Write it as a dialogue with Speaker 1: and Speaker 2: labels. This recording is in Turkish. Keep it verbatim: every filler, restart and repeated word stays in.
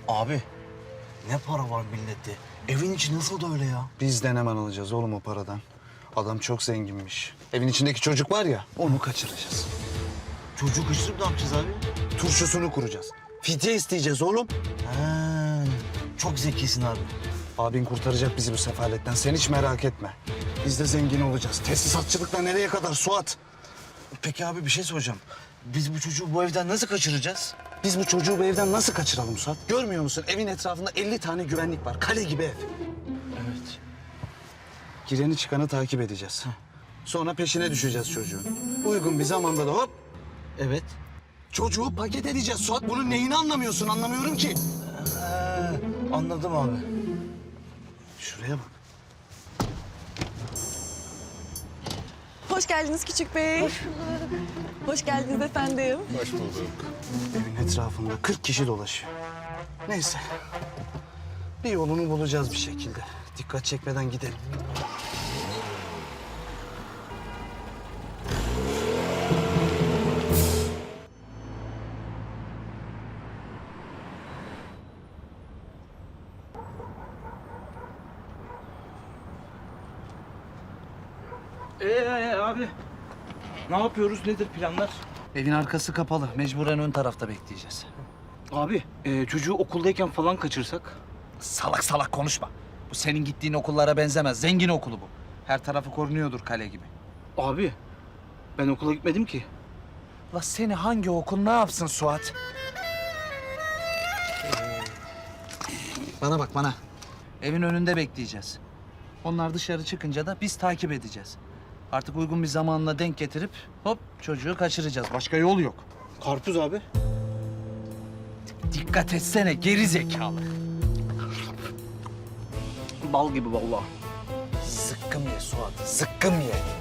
Speaker 1: Abi ne para var millette? Evin içi nasıl da öyle ya?
Speaker 2: Biz de hemen alacağız oğlum o paradan. Adam çok zenginmiş. Evin içindeki çocuk var ya, onu kaçıracağız.
Speaker 1: Çocuğu kaçırıp ne yapacağız abi?
Speaker 2: Turşusunu kuracağız. Fidye isteyeceğiz oğlum.
Speaker 1: Ha, çok zekisin abi.
Speaker 2: Abin kurtaracak bizi bu sefaletten. Sen hiç merak etme. Biz de zengin olacağız. Tesisatçılıkla nereye kadar Suat?
Speaker 1: Peki abi bir şey soracağım. Biz bu çocuğu bu evden nasıl kaçıracağız?
Speaker 2: Biz bu çocuğu bu evden nasıl kaçıralım Suat? Görmüyor musun? Evin etrafında elli tane güvenlik var. Kale gibi ev.
Speaker 1: Evet.
Speaker 2: Gireni çıkanı takip edeceğiz. Sonra peşine düşeceğiz çocuğun. Uygun bir zamanda da hop
Speaker 1: Evet.
Speaker 2: çocuğu paket edeceğiz Suat. Bunun neyini anlamıyorsun? Anlamıyorum ki.
Speaker 1: Ha, anladım abi.
Speaker 2: Şuraya bak.
Speaker 3: Hoş geldiniz küçük bey. Hoş bulduk. Hoş geldiniz efendim.
Speaker 4: Hoş bulduk.
Speaker 2: Evin etrafında kırk kişi dolaşıyor. Neyse. Bir yolunu bulacağız bir şekilde. Dikkat çekmeden gidelim.
Speaker 1: Ee abi. Ne yapıyoruz? Nedir planlar?
Speaker 5: Evin arkası kapalı. Mecburen ön tarafta bekleyeceğiz.
Speaker 1: Abi e, çocuğu okuldayken falan kaçırsak?
Speaker 5: Salak salak konuşma. Bu senin gittiğin okullara benzemez. Zengin okulu bu. Her tarafı korunuyordur kale gibi.
Speaker 1: Abi ben okula gitmedim ki.
Speaker 5: La seni hangi okul ne yapsın Suat? Bana bak bana. Evin önünde bekleyeceğiz. Onlar dışarı çıkınca da biz takip edeceğiz. Artık uygun bir zamanla denk getirip hop çocuğu kaçıracağız. Başka yol yok.
Speaker 1: Karpuz abi.
Speaker 5: Dikkat etsene geri zekalı.
Speaker 1: Bal gibi vallahi.
Speaker 5: Zıkkım ye Suat, zıkkım ye.